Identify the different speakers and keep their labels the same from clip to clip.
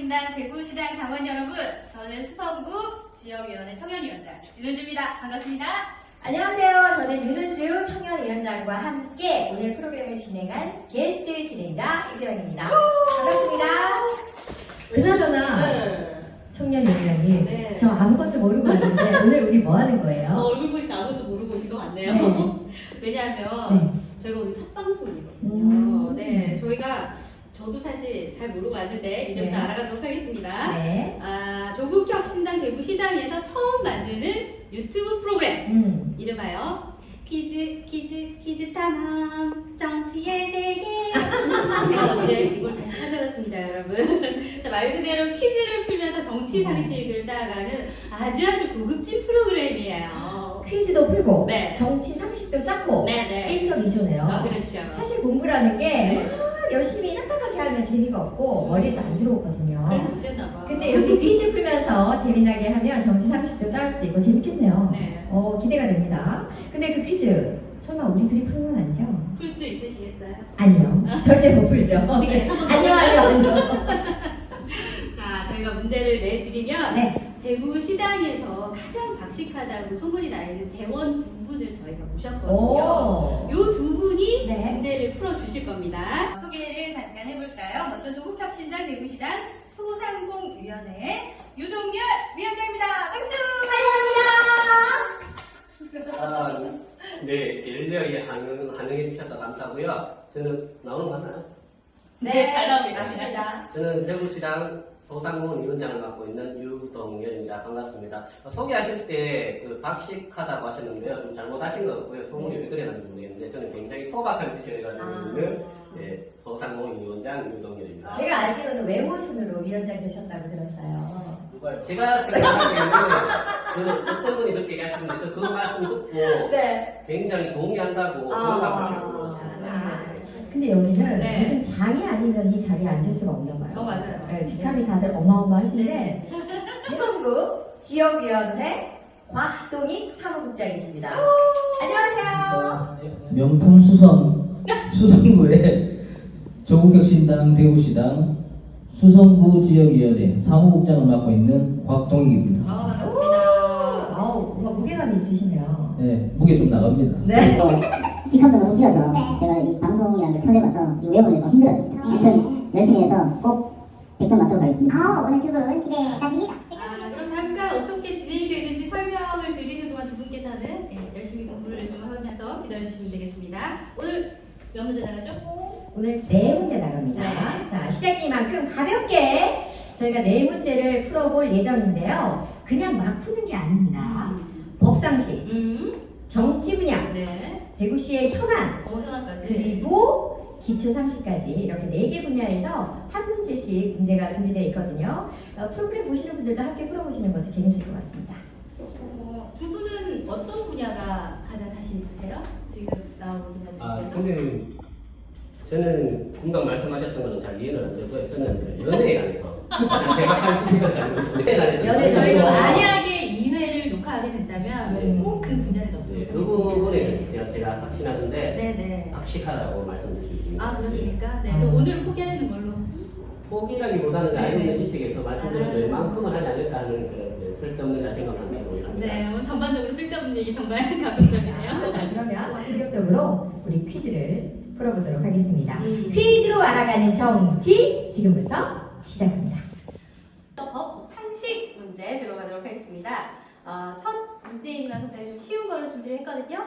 Speaker 1: 신당 대구시당 당원 여러분, 저는 수성구 지역위원회 청년위원장 윤은주입니다. 반갑습니다.
Speaker 2: 안녕하세요. 저는 윤은주 청년위원장과 함께 오늘 프로그램을 진행한 게스트 진행자 이세영입니다. 반갑습니다. 그나저나 청년위원장님,
Speaker 1: 네.
Speaker 2: 저 아무것도 모르고 왔는데 오늘 우리 뭐 하는 거예요?
Speaker 1: 얼굴 보니까 아무것도 모르고 오신 것 같네요.
Speaker 2: 네.
Speaker 1: 왜냐하면 저희가 오늘 첫 방송이거든요. 네, 저도 사실 잘 모르고 왔는데 이제부터
Speaker 2: 네.
Speaker 1: 알아가도록 하겠습니다.
Speaker 2: 네.
Speaker 1: 조국혁 신당 대구시당에서 처음 만드는 유튜브 프로그램 이름하여 퀴즈 탐험 정치의 세계. 제가 어제 이걸 다시 찾아봤습니다, 여러분. 자, 말 그대로 퀴즈를 풀면서 정치 상식을 쌓아가는 아주 고급진 프로그램이에요.
Speaker 2: 퀴즈도 풀고
Speaker 1: 네.
Speaker 2: 정치 상식도 쌓고
Speaker 1: 네.
Speaker 2: 일석이조네요.
Speaker 1: 그렇죠.
Speaker 2: 사실 공부라는 게
Speaker 1: 네.
Speaker 2: 막 열심히 딱딱하게 하면 재미가 없고 머리에도 안 들어오거든요.
Speaker 1: 그래서 못했나 봐.
Speaker 2: 근데 이렇게 퀴즈 풀면서 재미나게 하면 정치 상식도 쌓을 수 있고 재밌겠네요.
Speaker 1: 네.
Speaker 2: 기대가 됩니다. 근데 그 퀴즈 설마 우리 둘이 푸는 건 아니죠?
Speaker 1: 풀 수 있으시겠어요?
Speaker 2: 아니요. 절대 못 풀죠.
Speaker 1: 네, 한번 더
Speaker 2: 아니요.
Speaker 1: 자, 저희가 문제를 내드리면
Speaker 2: 네.
Speaker 1: 대구시당에서 가장 박식하다고 소문이 나 있는 재원 두 분을 저희가 모셨거든요.
Speaker 2: 오.
Speaker 1: 요 두 분이
Speaker 2: 네.
Speaker 1: 문제를 풀어주실 겁니다. 소개를 잠깐 해볼까요? 먼저 조국혁신당 대구시당 소상공위원회 유동열 위원장입니다. 박수!
Speaker 2: 환영합니다.
Speaker 3: 네, 열렬히 환영해 주셔서 감사하고요. 저는 나오는 거 맞나요?
Speaker 1: 네, 잘 나오고 있습니다.
Speaker 2: 맞습니다.
Speaker 3: 저는 대구시당 소상공인위원장을 맡고 있는 유동열입니다. 반갑습니다. 소개하실 때 박식하다고 하셨는데요. 좀 잘못하신 것 같고요. 소문이 왜 그래는지 모르겠는데 저는 굉장히 소박한 뜻을 가지고 있는 소상공인위원장 유동열입니다.
Speaker 2: 제가 알기로는 외모순으로 위원장 되셨다고 들었어요.
Speaker 3: 제가 생각하기에는 저는 어떤 분이 그렇게 얘기하시는데 그 말씀 듣고
Speaker 2: 네.
Speaker 3: 굉장히 동의한다고 공감하시는 것 같습니다.
Speaker 2: 근데 여기는
Speaker 1: 네.
Speaker 2: 무슨 장이 아니면 이 자리에 앉을 수가 없나 봐요.
Speaker 1: 맞아요.
Speaker 2: 네, 직함이 다들 어마어마하신데 수성구 지역위원회 곽동익 사무국장이십니다. 안녕하세요.
Speaker 4: 명품 수성구의 조국혁신당 대구시당 수성구 지역위원회 사무국장을 맡고 있는 곽동익입니다.
Speaker 1: 반갑습니다.
Speaker 2: 뭔가 무게감이 있으시네요.
Speaker 4: 네, 무게 좀 나갑니다.
Speaker 2: 네.
Speaker 5: 직함도 너무 길어서 제가 이 방송이라는 걸 처음 해봐서 이거 외우는데 좀 힘들었습니다. 아무튼 열심히 해서 꼭 100점 맞도록 하겠습니다.
Speaker 6: 오늘 두 분 기대가 됩니다.
Speaker 1: 그럼 잠깐 어떻게 진행이 되는지 설명을 드리는 동안 두 분께서는 열심히 공부를 좀 하면서 기다려주시면 되겠습니다. 오늘 몇 문제 나가죠?
Speaker 2: 오늘 네 문제 나갑니다.
Speaker 1: 네.
Speaker 2: 자, 시작이만큼 가볍게 저희가 네 문제를 풀어볼 예정인데요. 그냥 막 푸는 게 아닙니다. 법상식, 정치 분야,
Speaker 1: 네.
Speaker 2: 대구시의 현안,
Speaker 1: 현황까지.
Speaker 2: 그리고 기초상식까지 이렇게 4개 분야에서 한 문제씩 문제가 준비되어 있거든요. 프로그램 보시는 분들도 함께 풀어보시는 것도 재밌을 것 같습니다.
Speaker 1: 두 분은 어떤 분야가 가장 자신 있으세요? 지금 나온 분야들 중에서?
Speaker 3: 저는 금방 말씀하셨던 거는 잘 이해는 안 되고요. 저는 연애에 관해서 가장 대박한 지식을 가지고 있습니다.
Speaker 2: 연애
Speaker 1: 저희가
Speaker 2: 전공.
Speaker 1: 만약에 2회를 녹화하게 된다면 꼭 그 분야를 넣도록
Speaker 3: 네, 그
Speaker 1: 하겠습니다.
Speaker 3: 부분에 그냥 제가 확신하는데
Speaker 1: 네네.
Speaker 3: 박식하다고 말씀드릴 수 있습니다.
Speaker 1: 그렇습니까? 네. 그럼 오늘 포기하시는 걸로.
Speaker 3: 포기라기보다는 알고 있는 지식에서
Speaker 1: 아.
Speaker 3: 말씀드린 웬만큼은 하지 않을까 하는 쓸데없는 자신감을 가지고 있습니다.
Speaker 1: 네, 오늘 전반적으로 쓸데없는 얘기 정말 감동적이네요.
Speaker 2: 자, 그러면 본격적으로 우리 퀴즈를 풀어보도록 하겠습니다.
Speaker 1: 음.
Speaker 2: 퀴즈로 알아가는 정치 지금부터 시작합니다.
Speaker 1: 법 상식 문제 들어가도록 하겠습니다. 첫 문제인 만큼 제가 좀 쉬운 걸로 준비를 했거든요.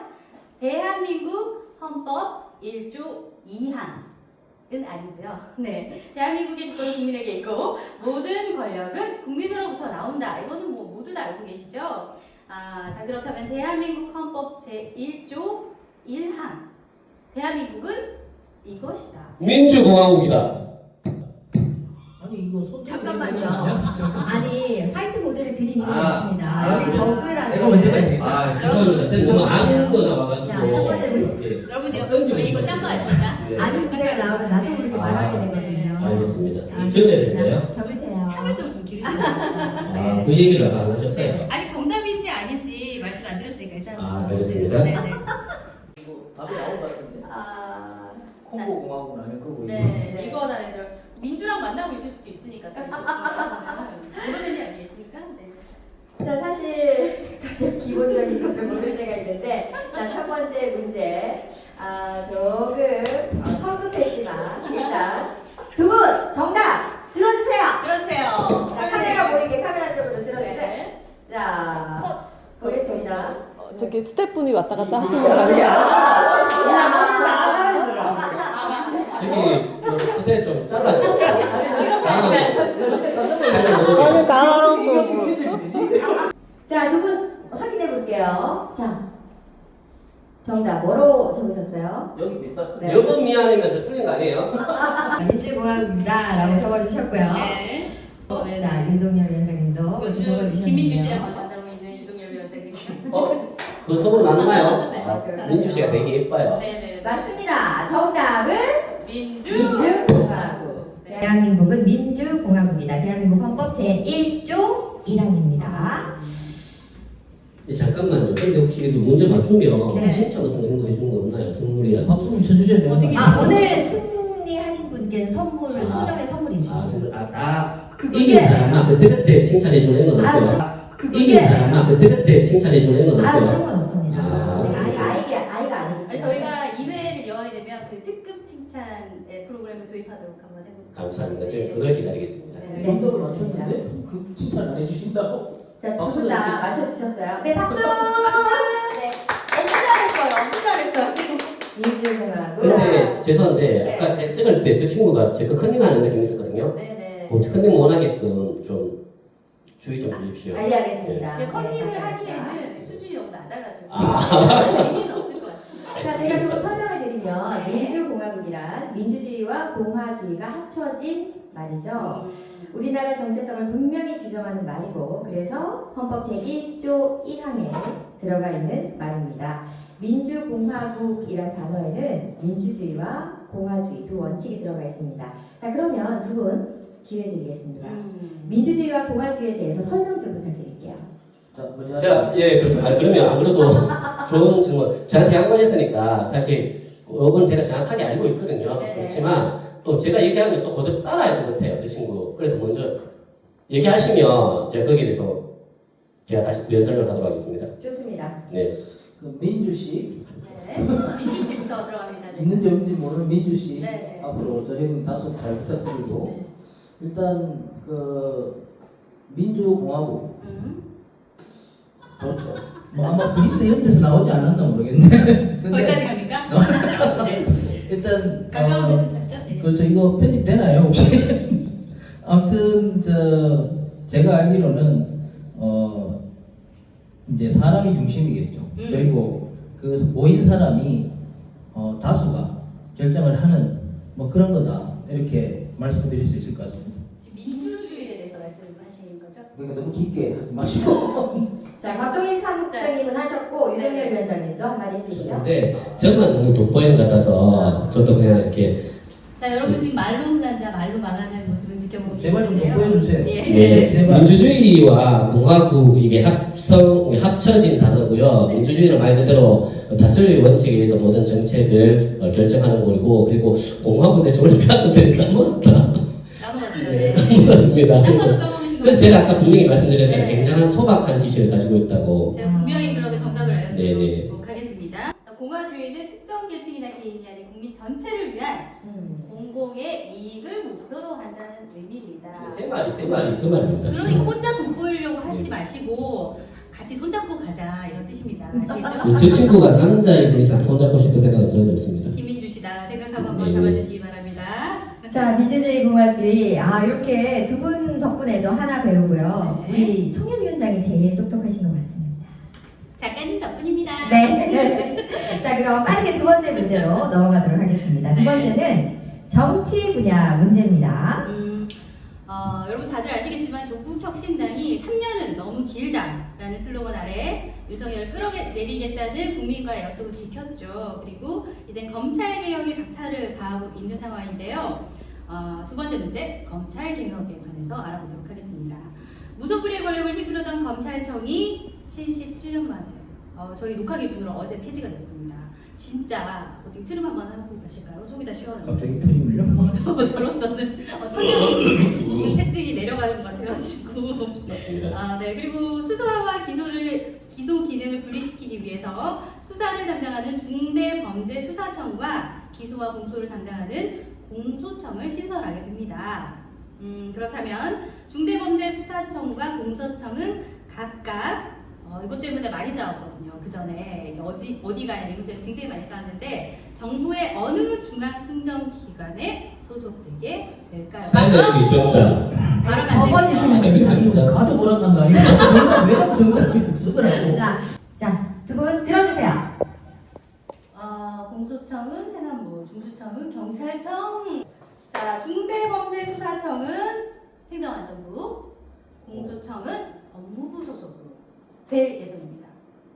Speaker 1: 대한민국 헌법 1조 2항은 아니고요. 네, 대한민국의 주권은 국민에게 있고 모든 권력은 국민으로부터 나온다. 이거는 뭐 모두 다 알고 계시죠? 자, 그렇다면 대한민국 헌법 제1조 1항. 대한민국은 이것이다.
Speaker 7: 민주공화국이다.
Speaker 4: 아니 이거 손
Speaker 1: 잠깐만요.
Speaker 2: 아니 화이트보드를 드리는 것
Speaker 3: 아,
Speaker 2: 같습니다. 여기 적으라는
Speaker 4: 내가 먼저 가야
Speaker 3: 죄송합니다. 제가 너무 아는 거 나와가지고.
Speaker 2: 자, 첫 번째 문제.
Speaker 3: 이렇게
Speaker 1: 여러분들 저희 이거 짠거 아닙니까?
Speaker 3: 네.
Speaker 2: 아는 문제가 나오면 나도 모르게 말하게 되거든요.
Speaker 7: 알겠습니다. 적어야 될까요?
Speaker 2: 적으세요.
Speaker 1: 참을성을 좀 기르시고.
Speaker 7: 그 얘기를 아까 안 하셨어요.
Speaker 1: 아직 정답인지 아닌지 말씀 안 드렸으니까 일단
Speaker 7: 알겠습니다.
Speaker 1: 네네.
Speaker 4: 답이 나온 것 같은데.
Speaker 1: 아,
Speaker 4: 콩고 공화국은 아닐 거고
Speaker 1: 네, 이거 나는 민주랑 만나고 있을 수도 있으니까. 모르니까 모르는 일 아니겠습니까? 네.
Speaker 2: 자, 사실 가장 기본적인 걸 모를 때가 있는데, 자, 첫 번째 문제. 조금 성급했지만 일단 두 분 정답 들어주세요.
Speaker 1: 들어주세요.
Speaker 2: 자, 카메라 보이게 카메라 쪽으로 들어주세요.
Speaker 1: 네.
Speaker 2: 자, 보겠습니다.
Speaker 6: 저기 스태프분이 왔다 갔다 하시는 거 아니에요?
Speaker 7: 저기 스텝 좀 잘라줘.
Speaker 6: 아니 다
Speaker 2: 자, 두 분 확인해 볼게요. 자, 정답 뭐로 적으셨어요?
Speaker 4: 여기 밑다.
Speaker 2: 네.
Speaker 3: 여건 미안하면 저 틀린 거 아니에요?
Speaker 2: 민주공화국이다 라고 적어주셨고요.
Speaker 1: 네.
Speaker 2: 자, 유동열 위원장님도
Speaker 1: 요즘
Speaker 2: 적어주셨네요.
Speaker 1: 김민주 씨랑 만나고 있는 유동열 위원장님.
Speaker 3: 그 소문 나나요?
Speaker 1: 네.
Speaker 3: 아, 민주 씨가 되게 예뻐요.
Speaker 1: 네네.
Speaker 2: 맞습니다. 정답은
Speaker 1: 민주공화국.
Speaker 2: 민주공화국. 대한민국은 민주공화국이다. 대한민국 헌법 제1조 1항입니다.
Speaker 7: 잠깐만요. 근데 혹시 이거 문제 맞추면
Speaker 2: 네.
Speaker 7: 진짜 같은 거 이런 거 해주는 거 없나요? 선물이랑.
Speaker 4: 박수 좀 쳐주셔야 돼요.
Speaker 1: 어떻게-
Speaker 2: 오늘 승리하신 분께는 선물, 소정의 선물이 있습니다.
Speaker 7: 선물. 다
Speaker 2: 그게-
Speaker 7: 이긴 사람만 그때그때 칭찬해주는 애는 없고요. 이긴 사람만 그때그때 칭찬해주는 애는
Speaker 2: 그런
Speaker 7: 없고요.
Speaker 2: 건 없습니다.
Speaker 7: 아.
Speaker 2: 아이가 아니기
Speaker 1: 아니, 저희가 2회를 여하게 되면 그 특급 칭찬의 프로그램을 도입하도록 한번 해볼까요?
Speaker 7: 감사합니다. 제가 그걸 기다리겠습니다.
Speaker 1: 네.
Speaker 4: 정답을
Speaker 2: 좋습니다.
Speaker 4: 맞췄는데 그 칭찬 안 해주신다고?
Speaker 2: 자, 두
Speaker 4: 박수
Speaker 2: 분 다
Speaker 4: 좀
Speaker 2: 맞춰주셨어요. 네, 박수!
Speaker 1: 네. 너무 잘했어요. 너무 잘했어요.
Speaker 2: 민주공화국.
Speaker 7: 근데 죄송한데
Speaker 1: 네.
Speaker 7: 아까 제가 찍을 때 저 친구가 제거 컨닝 하는 느낌이 있었거든요.
Speaker 1: 네네.
Speaker 7: 컨닝 원하게끔 좀 주의 좀 주십시오.
Speaker 2: 알겠습니다.
Speaker 1: 근데 컨닝을
Speaker 2: 네,
Speaker 1: 하기에는 수준이 너무 낮아가지고
Speaker 7: 아.
Speaker 1: 의미는 없을 것 같습니다.
Speaker 2: 자, 제가 좀 설명을 드리면
Speaker 1: 네.
Speaker 2: 민주공화국이란 민주주의와 공화주의가 합쳐진 말이죠. 우리나라 정체성을 분명히 규정하는 말이고 그래서 헌법 제1조 1항에 들어가 있는 말입니다. 민주공화국이란 단어에는 민주주의와 공화주의 두 원칙이 들어가 있습니다. 자, 그러면 두 분 기회 드리겠습니다. 민주주의와 공화주의에 대해서 설명 좀 부탁드릴게요.
Speaker 4: 자, 먼저
Speaker 7: 제가 그래서 그러면 안 그래도 좋은 질문. 저한테 양보했으니까 사실 이건 제가 정확하게 알고 있거든요.
Speaker 1: 네.
Speaker 7: 그렇지만 또 제가 얘기하면 또 그대로 따라야 될 것 같아요, 저 친구. 그래서 먼저 얘기하시면 제가 거기에 대해서 제가 다시 부연 설명하도록 하겠습니다.
Speaker 2: 좋습니다.
Speaker 7: 네.
Speaker 4: 그 민주 씨
Speaker 1: 네. 민주 씨부터 들어갑니다. 네.
Speaker 4: 있는지 없는지 모르는 민주 씨
Speaker 1: 네.
Speaker 4: 앞으로 저희는 다소 잘 부탁드리고
Speaker 1: 네.
Speaker 4: 일단 그 민주공화국 좋죠. 뭐 아마 그리스 이런 데서 나오지 않았나 모르겠네. 근데
Speaker 1: 거기까지 갑니까? 네.
Speaker 4: 일단
Speaker 1: 가까운 데서 찾죠? 네.
Speaker 4: 그렇죠. 이거 편집 되나요 혹시? 아무튼 제가 알기로는 이제 사람이 중심이겠죠. 그리고 그 모인 사람이 다수가 결정을 하는 뭐 그런 거다 이렇게 말씀드릴 수 있을 것 같습니다.
Speaker 1: 지금 민주주의에 대해서 말씀하신 거죠?
Speaker 4: 그러니까 너무 깊게 하지 마시고.
Speaker 2: 자, 박동인 사무국장님은 하셨고
Speaker 1: 네.
Speaker 2: 유동열 위원장님도 한마디 해주시죠.
Speaker 7: 근데 저만 너무 돋보이는 것 같아서 저도 그냥 이렇게
Speaker 1: 자, 여러분 지금 말로 혼난 자, 말로 망하는 모습을 지켜보고
Speaker 4: 제발 좀
Speaker 1: 계시는데요.
Speaker 4: 돋보여주세요.
Speaker 1: 예.
Speaker 7: 네,
Speaker 4: 제발.
Speaker 7: 민주주의와 공화국 이게 합쳐진 단어고요.
Speaker 1: 네.
Speaker 7: 민주주의는 말 그대로 다수의 원칙에 의해서 모든 정책을 결정하는 거고 그리고 공화국에 저걸 배웠는데 까먹었다.
Speaker 1: 까먹었죠. 네.
Speaker 7: 까먹었습니다.
Speaker 1: 한
Speaker 7: 그래서,
Speaker 1: 번도 까먹으신 거
Speaker 7: 그래서 제가 아까 분명히 말씀드렸잖아요.
Speaker 1: 네.
Speaker 7: 굉장한 소박한 지식을 가지고 있다고.
Speaker 1: 제가 분명히 그러면 정답을
Speaker 7: 네네.
Speaker 1: 알려드리도록 하겠습니다. 공화주의는 특정 계층이나 개인이 아닌 국민 전체를 위한 공공의 이익을 목표로 한다는 의미입니다.
Speaker 7: 세 마리 그 말입니다.
Speaker 1: 그러니까 혼자 돋보이려고 하시지 마시고 같이 손잡고 가자 이런 뜻입니다. 아시겠죠?
Speaker 7: 제 친구가 남자애들 이상 손잡고 싶은 생각은 전혀 없습니다.
Speaker 1: 김민주 씨다 생각하고 한번
Speaker 7: 네.
Speaker 1: 잡아주시기 바랍니다.
Speaker 2: 자, 민주주의, 공화주의. 이렇게 두 분 덕분에도 하나 배우고요.
Speaker 1: 네.
Speaker 2: 우리 청년위원장이 제일 똑똑하신 것 같습니다.
Speaker 1: 작가님 덕분입니다.
Speaker 2: 네. 자, 그럼 빠르게 두 번째 문제로 넘어가도록 하겠습니다. 두
Speaker 1: 네.
Speaker 2: 번째는 정치 분야 문제입니다.
Speaker 1: 여러분 다들 아시겠지만 조국혁신당이 3년은 너무 길다라는 슬로건 아래 윤석열을 끌어내리겠다는 국민과의 약속을 지켰죠. 그리고 이제 검찰개혁에 박차를 가하고 있는 상황인데요. 두 번째 문제, 검찰개혁에 관해서 알아보도록 하겠습니다. 무소불위의 권력을 휘두르던 검찰청이 77년 만에 저희 녹화 기준으로 어제 폐지가 됐습니다. 진짜 어떻게 트름 한번 하고 가실까요? 속이 다 시원하고.
Speaker 4: 갑자기 틀림을요?
Speaker 1: 저로서는 청년 묵은 채찍
Speaker 7: 알겠습니다.
Speaker 1: 네. 그리고 수사와 기소 기능을 분리시키기 위해서 수사를 담당하는 중대범죄수사청과 기소와 공소를 담당하는 공소청을 신설하게 됩니다. 그렇다면 중대범죄수사청과 공소청은 각각 이것 때문에 많이 싸웠거든요. 그 전에 어디 가냐 이 문제는 굉장히 많이 싸웠는데 정부의 어느 중앙행정기관에 소속되게 될까요?
Speaker 7: 사회자님이 쉬웠다.
Speaker 1: 말하면 안
Speaker 2: 적어주시면
Speaker 1: 되죠.
Speaker 4: 아니 가족 오락한 거 아니고 정답 왜라고 정답을 쓰더라고.
Speaker 2: 자, 두 분 들어주세요.
Speaker 1: 공소청은 행안부, 중수청은 경찰청. 자, 중대범죄수사청은 행정안전부, 공소청은 법무부 소속으로 될 예정입니다.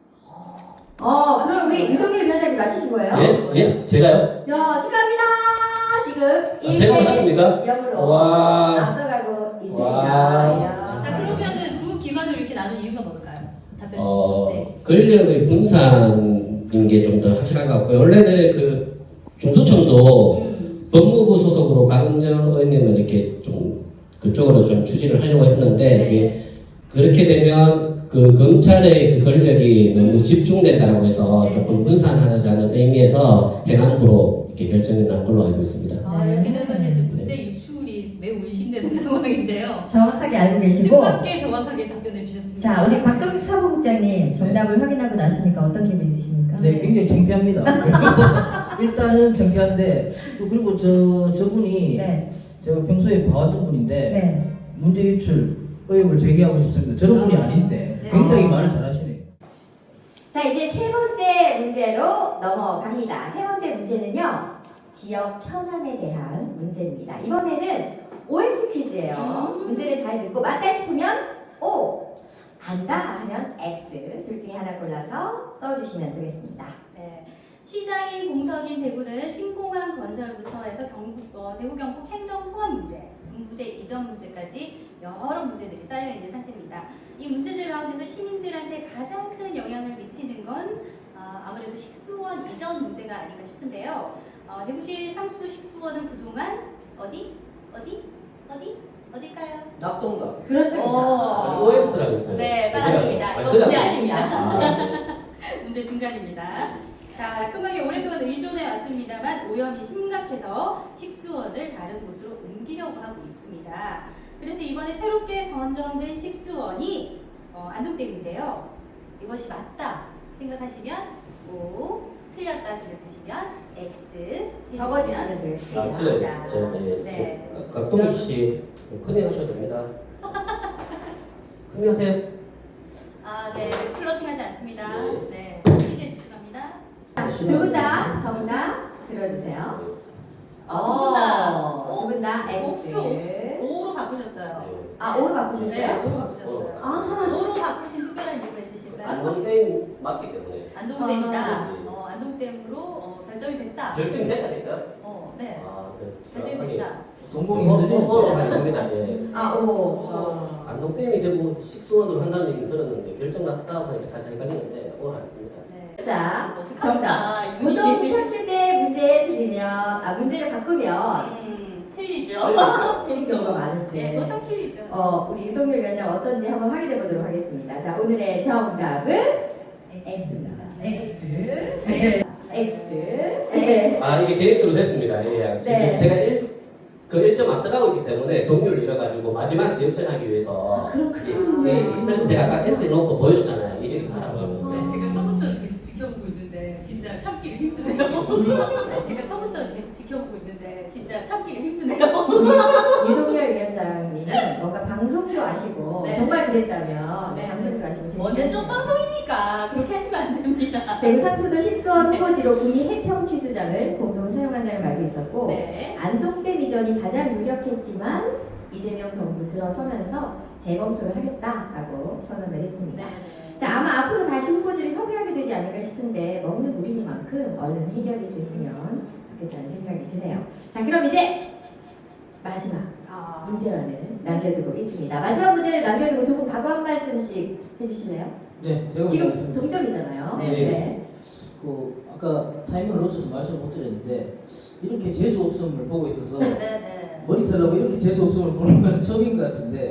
Speaker 2: 그럼 우리 유동일 위원장님 맞히신 거예요?
Speaker 7: 예? 예? 제가요?
Speaker 2: 야, 축하합니다. 지금
Speaker 7: 제가
Speaker 2: 1대
Speaker 7: 맞았습니까?
Speaker 2: 0으로
Speaker 7: 와.
Speaker 2: 앞서가고 있습니다.
Speaker 7: 와.
Speaker 2: 이야.
Speaker 1: 자, 그러면은 두 기관을 이렇게 나눈 이유가 뭘까요? 답변 주시죠. 네.
Speaker 7: 권력의 분산인 게 좀 더 확실한 것 같고요. 원래는 그 중소청도 법무부 소속으로 박은정 의원님은 이렇게 좀 그쪽으로 좀 추진을 하려고 했었는데
Speaker 1: 네.
Speaker 7: 이게 그렇게 되면 그 검찰의 그 권력이 너무 집중된다라고 해서
Speaker 1: 네.
Speaker 7: 조금 분산하자는 의미에서 행안부로 이렇게 결정이 난 걸로 알고 있습니다.
Speaker 1: 이렇게 되면 이제 문제 유출이 매우 의심되는 상황인데요.
Speaker 2: 정확하게 알고 계시고.
Speaker 1: 뜻밖의 정확하게 답변해 주셨습니다.
Speaker 2: 자, 우리 박동 사무국장님 정답을 확인하고 나시니까 어떤 기분이 드십니까?
Speaker 4: 네, 굉장히 창피합니다. 일단은 창피한데 또 그리고 저분이
Speaker 2: 네.
Speaker 4: 제가 평소에 봐왔던 분인데
Speaker 2: 네.
Speaker 4: 문제 유출 의혹을 제기하고 싶습니다. 저런 분이 아닌데
Speaker 1: 네.
Speaker 4: 굉장히 말을 잘하시네요.
Speaker 2: 자, 이제 세 번째 문제로 넘어갑니다. 세 번째 문제는요, 지역 편안에 대한 문제입니다. 이번에는 OX 퀴즈예요. 문제를 잘 듣고 맞다 싶으면 O, 아니다 하면 X 둘 중에 하나 골라서 써주시면 되겠습니다.
Speaker 1: 네. 시장이 공석인 대구는 신공항 건설부터 해서 대구 경북 행정 통합 문제, 군부대 이전 문제까지 여러 문제들이 쌓여 있는 상태입니다. 이 문제들 가운데서 시민들한테 가장 큰 영향을 미치는 건 아무래도 식수원 이전 문제가 아닌가 싶은데요. 대구시 상수도 식수원은 그동안 어딜까요?
Speaker 3: 낙동강.
Speaker 2: 그렇습니다.
Speaker 7: OX라고 있어요.
Speaker 1: 네, 맞습니다. 이거
Speaker 7: 그냥-
Speaker 1: 문제 아닙니다.
Speaker 7: 아,
Speaker 1: 문제 중간입니다. 자, 금방에 오랫동안 의존해 왔습니다만 오염이 심각해서 식수원을 다른 곳으로 옮기려고 하고 있습니다. 그래서 이번에 새롭게 선정된 식수원이 안동댐인데요. 이것이 맞다 생각하시면 O, 틀렸다 생각하시면 X
Speaker 2: 적어주시면 되겠습니다.
Speaker 7: 맞어요.
Speaker 1: 네.
Speaker 7: 각동희 씨 큰일 하셔도 됩니다. 큰일 하세요.
Speaker 1: 네, 플러팅 하지 않습니다.
Speaker 7: 네.
Speaker 1: 네, 퀴즈에 집중합니다.
Speaker 2: 두 분 다 정답 들어주세요.
Speaker 1: 두 분 다
Speaker 2: X.
Speaker 1: 옥수 5로 바꾸셨어요.
Speaker 2: 아, O로 바꾸셨어요?
Speaker 1: 네, 5로 바꾸셨어요.
Speaker 2: 아,
Speaker 1: 5로 바꾸신 특별한 이유가 있으실까요?
Speaker 3: 안동댐 맞기 때문에.
Speaker 1: 안동댐이다.
Speaker 7: 네.
Speaker 1: 안동댐으로 결정이 됐다.
Speaker 3: 결정이 됐다 됐어요?
Speaker 1: 네,
Speaker 7: 아,
Speaker 1: 결정이 됐다.
Speaker 4: 동공이
Speaker 7: 뭐로
Speaker 4: 흔들리는
Speaker 7: 하겠습니다. 예.
Speaker 2: 아, O.
Speaker 7: 안동댐이 되고 식수원으로 한다는 얘기는 들었는데 결정 났다 하니까 살짝 헷갈리는데 오늘 안 했습니다.
Speaker 1: 네.
Speaker 2: 자,
Speaker 1: 어떡합니까?
Speaker 2: 우동 셔츠 때 문제 틀리면, 문제를 바꾸면
Speaker 1: 틀리죠.
Speaker 2: 틀린 경우가 많은데.
Speaker 1: 네, 보통 틀리죠.
Speaker 2: 우리 유동열 위원장 어떤지 한번 확인해 보도록 하겠습니다. 자, 오늘의 정답은 X입니다. X. X.
Speaker 7: 아 이게 계획대로 됐습니다. 예. 지금
Speaker 2: 네.
Speaker 7: 제가 1점 앞서가고 있기 때문에 동률을 잃어가지고 마지막에서 역전하기 위해서
Speaker 2: 그렇군요.
Speaker 7: 그래서 제가 아까 S 놓고 보여줬잖아요. 1X 하라고 하면.
Speaker 1: 네, 제가 처음부터 계속 지켜보고 있는데 진짜 참기가 힘드네요. 제가 처음부터 계속 지켜보고 있는데 진짜 참기가 힘드네요.
Speaker 2: 유동열 위원장님은 뭔가 방송도 아시고
Speaker 1: 네.
Speaker 2: 정말 그랬다면
Speaker 1: 네.
Speaker 2: 방송도 아시고
Speaker 1: 언제적 방송입니까? 그렇게 하시면 안 됩니다.
Speaker 2: 대구 상수도 식수원 후보지로 군이 해평 취수장을 공동 사용한다는 말도 있었고
Speaker 1: 네.
Speaker 2: 안동댐 이전이 가장 유력했지만 이재명 정부 들어서면서 재검토를 하겠다라고 선언을 했습니다. 자, 아마 앞으로 다시 후보지를 협의하게 되지 않을까 싶은데 먹는 우리니만큼 얼른 해결이 됐으면 좋겠다는 생각이 드네요. 자, 그럼 이제 마지막 문제만을 남겨두고 있습니다. 마지막 문제를 남겨두고 두 분 각오 한 말씀씩 해주실래요?
Speaker 4: 네, 제가
Speaker 2: 지금
Speaker 4: 말씀드리겠습니다.
Speaker 2: 동점이잖아요.
Speaker 7: 네.
Speaker 4: 아까 타이밍을 놓쳐서 말씀을 못 드렸는데 이렇게 재수 없음을 보고 있어서
Speaker 1: 네.
Speaker 4: 모니터라고 이렇게 재수 없음을 보는 건 처음인 것 같은데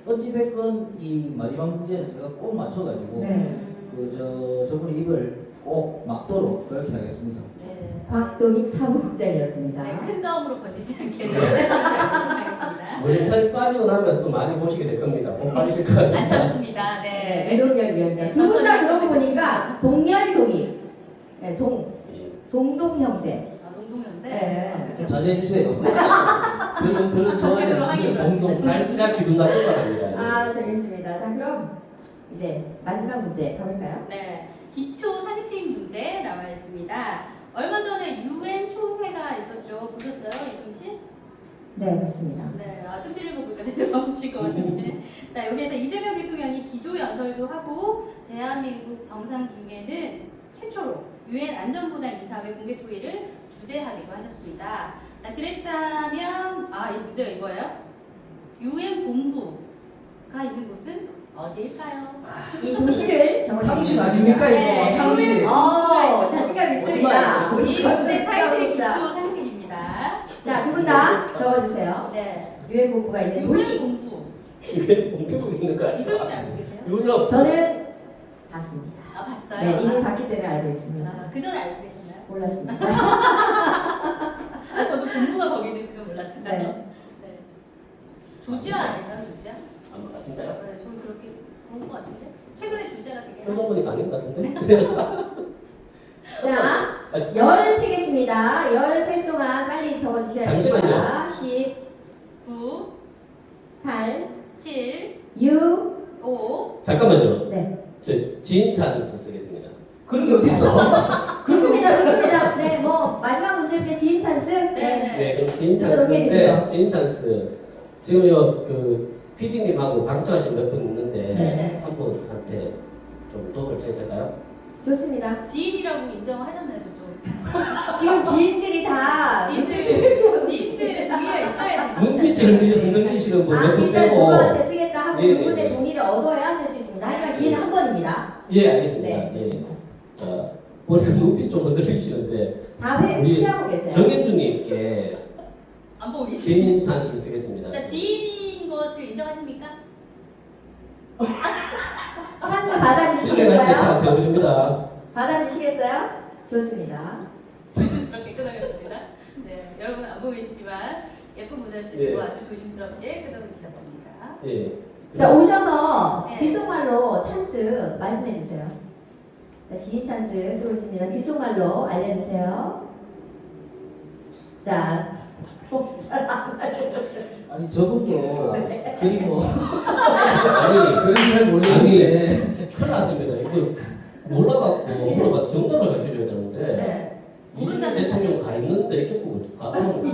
Speaker 4: 어찌됐건 이 마지막 문제는 제가 꼭 맞춰가지고
Speaker 2: 네.
Speaker 4: 저분의 입을 꼭 막도록 그렇게 하겠습니다.
Speaker 1: 네.
Speaker 2: 곽동익 사무국장이었습니다.
Speaker 1: 네, 큰 싸움으로 번지지 않게 노력하겠습니다.
Speaker 7: 모니터에 빠지고 나면 또 많이 보시게 될 겁니다. 못 빠지실 것 같습니다.
Speaker 1: 안 참습니다.
Speaker 2: 네,
Speaker 1: 네.
Speaker 2: 이동열 위원장. 두 분 다 그러고 보니까 동열동익. 네, 동동 형제.
Speaker 1: 아, 농동현재.
Speaker 2: 네.
Speaker 1: 네.
Speaker 4: 자제해 주세요. 별로
Speaker 1: 정식으로 하긴
Speaker 7: 공동 살짝 기분 나쁜 바랍니다.
Speaker 2: 아, 재밌습니다. 자, 그럼 이제 마지막 문제 가볼까요?
Speaker 1: 네, 기초 상식 문제 나와 있습니다. 얼마 전에 UN 총회가 있었죠. 보셨어요, 이동 씨?
Speaker 2: 네, 맞습니다.
Speaker 1: 네, 뜸 들이는 거 보니까 제대로 보실 것 같은데. 자, 여기에서 이재명 대통령이 기조 연설도 하고 대한민국 정상 중계는 최초로 UN 안전보장이사회 공개 토의를 주재하기로 하셨습니다. 자, 그랬다면 이 문제가 이거예요. UN 본부가 있는 곳은 어디일까요?
Speaker 2: 이 도시를
Speaker 4: 상식 아닙니까
Speaker 1: 네,
Speaker 4: 이거? 상식.
Speaker 2: 자신감 있습니다.
Speaker 1: 이 문제 타이틀이
Speaker 2: 자,
Speaker 1: 기초 상식입니다.
Speaker 2: 두 분 다 적어주세요.
Speaker 1: 네,
Speaker 2: 유엔 본부가 있는 도시.
Speaker 1: UN 본부.
Speaker 7: 이게 공개고 있는 거
Speaker 1: 이소영 씨
Speaker 7: 아니야?
Speaker 1: 알고 계세요?
Speaker 7: 유럽.
Speaker 2: 저는 봤습니다.
Speaker 1: 아, 봤어요?
Speaker 2: 네, 이미 봤기 때문에 알고 있습니다.
Speaker 1: 그 전에 알고 계셨나요?
Speaker 2: 몰랐습니다.
Speaker 1: 저도 본부가 거기 있는지는 몰랐어요.
Speaker 2: 네.
Speaker 1: 네. 조지아 아닌가, 조지아?
Speaker 7: 아, 진짜요?
Speaker 1: 네, 저는 그렇게 그런 것 같은데. 최근에 조지아가 되게
Speaker 7: 표정 보니까 아닌 것 같은데?
Speaker 2: 자, 13개입니다. 13 동안 빨리 적어주셔야 됩니다.
Speaker 7: 잠시만요.
Speaker 2: 10,
Speaker 1: 9,
Speaker 2: 8,
Speaker 1: 7,
Speaker 2: 6,
Speaker 1: 5.
Speaker 7: 잠깐만요.
Speaker 2: 네.
Speaker 7: 저 지인 찬스 쓰겠습니다.
Speaker 4: 그런 게 어딨어?
Speaker 2: 좋습니다, 좋습니다. 네, 뭐 마지막 문제인데 지인 찬스.
Speaker 1: 네.
Speaker 7: 네, 그럼 지인
Speaker 2: 그렇게
Speaker 7: 찬스인데
Speaker 2: 되죠.
Speaker 7: 지인 찬스 지금요 그 PD님하고 방청하신 몇 분 있는데
Speaker 1: 네.
Speaker 7: 한 분한테 좀 도움을 드려도 될까요?
Speaker 2: 좋습니다.
Speaker 1: 지인이라고 인정하셨나요, 저쪽?
Speaker 2: 지금 지인들이 다
Speaker 1: 지인들의 동의가 있어야지.
Speaker 7: 눈빛을 흔들리시는 분 몇 분
Speaker 2: 일단
Speaker 7: 빼고
Speaker 2: 누구한테 쓰겠다 하고
Speaker 7: 네,
Speaker 2: 그분의
Speaker 7: 네.
Speaker 2: 동의를 얻어야 쓸 수 있습니다. 하지만 기회는 한 번입니다.
Speaker 7: 예 알겠습니다.
Speaker 2: 네,
Speaker 7: 예.
Speaker 2: 좋습니다.
Speaker 7: 자 본인 눈빛 좀 흔들리시는데
Speaker 2: 다
Speaker 7: 우리
Speaker 2: 피하고 계세요.
Speaker 7: 정현주님께
Speaker 1: 안 보고 계시네.
Speaker 7: 지인 찬스를 쓰겠습니다.
Speaker 1: 자, 지인인 것을 인정하십니까?
Speaker 2: 찬스
Speaker 7: 신뢰할 때
Speaker 2: 받아주시겠어요?
Speaker 7: 잘 되어드립니다.
Speaker 2: 받아주시겠어요? 좋습니다.
Speaker 1: 조심스럽게 끊어겠습니다. 네, 여러분 안 보고 계시지만 예쁜 문자를 쓰시고
Speaker 7: 네.
Speaker 1: 아주 조심스럽게 끊어주셨습니다.
Speaker 7: 예.
Speaker 2: 자, 오셔서
Speaker 1: 네.
Speaker 2: 귓속말로 찬스 말씀해 주세요. 자, 지인 찬스 쓰고 있습니다. 귓속말로 알려주세요. 자, 잘안
Speaker 4: 아니 저분도 그리고
Speaker 7: 아니
Speaker 4: 그런 잘 모르겠는데
Speaker 7: 큰일 났습니다. 이거 몰라갖고 물어봐 정답을 밝혀줘야 되는데
Speaker 1: 네.
Speaker 7: 이준석
Speaker 1: 모른다는
Speaker 7: 대통령 가 있는데 이렇게 보고 가면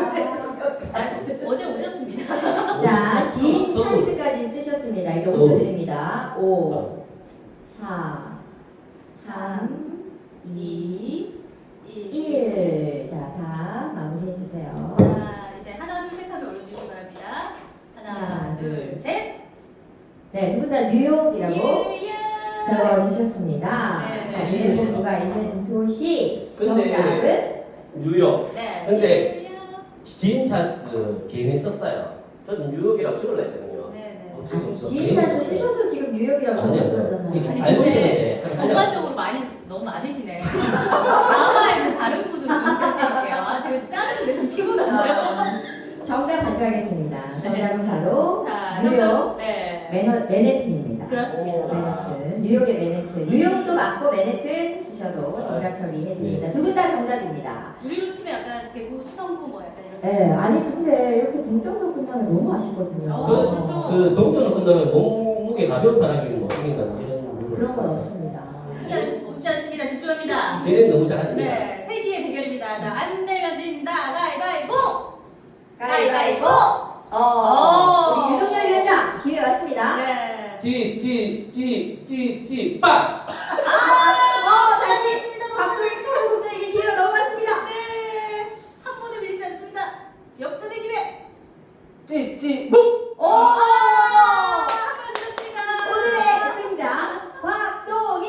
Speaker 1: 어제 오셨습니다.
Speaker 2: 자, 지인 찬스까지 쓰셨습니다. 이제 5초 드립니다. 5,
Speaker 7: 어.
Speaker 2: 4, 3, 2,
Speaker 1: 1.
Speaker 2: 1. 자, 다 마무리해 주세요.
Speaker 1: 자, 이제 하나, 둘, 셋 하면 올려주시기 바랍니다. 하나, 둘, 셋.
Speaker 2: 네, 두 분 다 뉴욕이라고
Speaker 1: 뉴욕.
Speaker 2: 적어주셨습니다.
Speaker 1: 네, 네.
Speaker 2: 자, 유엔 본부가 있는 도시
Speaker 7: 근데-
Speaker 2: 정답은
Speaker 7: 뉴욕.
Speaker 1: 네.
Speaker 7: 근데
Speaker 1: 뉴욕.
Speaker 7: 지인 찬스 괜히 썼어요. 저는 뉴욕이라고 찍으려 했거든요.
Speaker 1: 네, 네.
Speaker 7: 어쩔 수
Speaker 2: 아니,
Speaker 7: 없어.
Speaker 2: 지인 찬스 쓰셔서 지금 뉴욕이라고
Speaker 7: 아니요.
Speaker 2: 적으신
Speaker 7: 이게
Speaker 2: 거잖아요.
Speaker 1: 아니,
Speaker 7: 알고
Speaker 1: 근데
Speaker 7: 있었는데
Speaker 1: 전반적으로 너무 많으시네. 다음화에는 다른 분으로 좀 부탁드릴게요. 제가 짜는데 좀 피곤한데요.
Speaker 2: 정답 발표하겠습니다. 정답은 바로
Speaker 1: 자,
Speaker 2: 뉴욕
Speaker 1: 정답. 네.
Speaker 2: 맨해튼입니다.
Speaker 1: 그렇습니다.
Speaker 2: 맨해튼. 뉴욕의 맨해튼. 뉴욕도 맞고 맨해튼 쓰셔도 정답 처리해드립니다. 두 분 다 정답입니다.
Speaker 1: 우리로 치면 약간 대구 수성구 뭐 약간 이렇게.
Speaker 2: 네, 아니 근데 이렇게 동점으로 끝나면 너무 아쉽거든요.
Speaker 1: 그렇죠.
Speaker 7: 그 동천으로 끝나면 몸무게 가벼운 사람이 뭐 생긴다는 이런
Speaker 2: 그런 건 없습니다.
Speaker 1: 웃지 않습니다. 집중합니다.
Speaker 7: 쟤는 너무 잘하십니다.
Speaker 1: 네, 세기의 대결입니다. 자, 안 내면 진다. 가위바위보!
Speaker 2: 가위바위보! 우리 유동열 위원장 기회 왔습니다.
Speaker 1: 네.
Speaker 7: 빵!
Speaker 2: 다시 박도희 사무국장에게 기회가 넘어갔습니다.
Speaker 1: 네. 한 번에 밀리지 않습니다. 역전의 기회. 한번 드렸습니다.
Speaker 2: 오늘의 승자 곽동익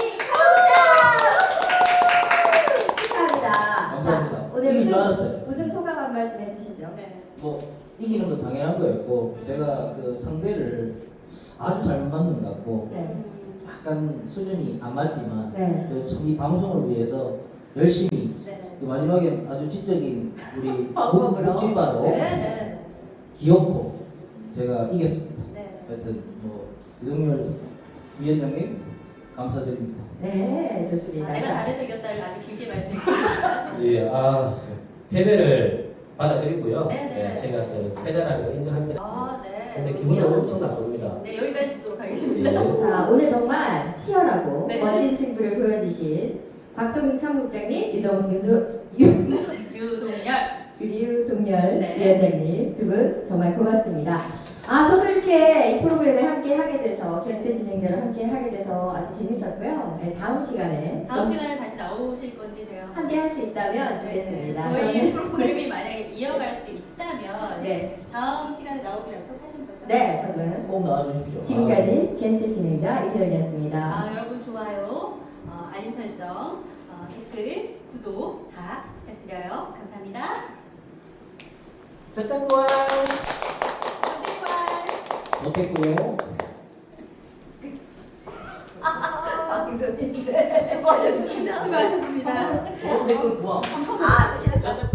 Speaker 2: 사무국장 축하합니다.
Speaker 4: 감사합니다.
Speaker 2: 자, 오늘
Speaker 4: 이긴 줄 알았어요.
Speaker 2: 우승 소감 한 말씀 해주시죠.
Speaker 1: 네.
Speaker 4: 뭐 이기는 건 당연한 거였고 제가 그 상대를 아주 잘 맞는 것 같고
Speaker 2: 네.
Speaker 4: 약간 수준이 안 맞지만
Speaker 2: 네.
Speaker 4: 이 방송을 위해서 열심히
Speaker 1: 네.
Speaker 4: 마지막에 아주 지적인 우리
Speaker 2: 방법으로.
Speaker 4: 묵진바로
Speaker 1: 네. 네.
Speaker 4: 귀엽고 제가 이겼습니다.
Speaker 1: 네.
Speaker 4: 하여튼 뭐 유동열 위원장님 감사드립니다.
Speaker 2: 네, 좋습니다.
Speaker 1: 내가 잘해서 이겼다를 아주 길게 말씀드립니다.
Speaker 7: 예, 패배를 받아들이고요.
Speaker 1: 네네.
Speaker 7: 제가 그 패배라는 걸 인정합니다.
Speaker 1: 아, 네.
Speaker 7: 근데 기분은 엄청 나쁩니다.
Speaker 1: 네, 여기까지 듣도록 하겠습니다.
Speaker 7: 예.
Speaker 2: 자, 오늘 정말 치열하고
Speaker 1: 네.
Speaker 2: 멋진 승부를 보여주신 곽동익 사무국장님, 류동열
Speaker 1: 네.
Speaker 2: 위원장님 두 분 정말 고맙습니다. 아, 저도 이렇게 이 프로그램에 함께 하게 돼서 게스트 진행자로 함께 하게 돼서 아주 재밌었고요. 네, 다음 시간에
Speaker 1: 다음 시간에 다시 나오실 건지 제가
Speaker 2: 함께 할 수 있다면 좋겠습니다.
Speaker 1: 저희 프로그램이 만약에 이어갈 수 있다면
Speaker 2: 네,
Speaker 1: 다음 시간에 나오기로 약속하신 거죠?
Speaker 2: 네, 저는
Speaker 4: 꼭 나와주십시오.
Speaker 2: 지금까지 게스트 진행자 이세연이었습니다.
Speaker 1: 아, 여러분 좋아요, 알림 설정, 댓글, 구독 다 부탁드려요. 감사합니다.
Speaker 4: 절단과 못했고요.
Speaker 1: 방송이 수고하셨습니다. 수고하셨습니다.
Speaker 4: 댓글 구함.
Speaker 2: 아,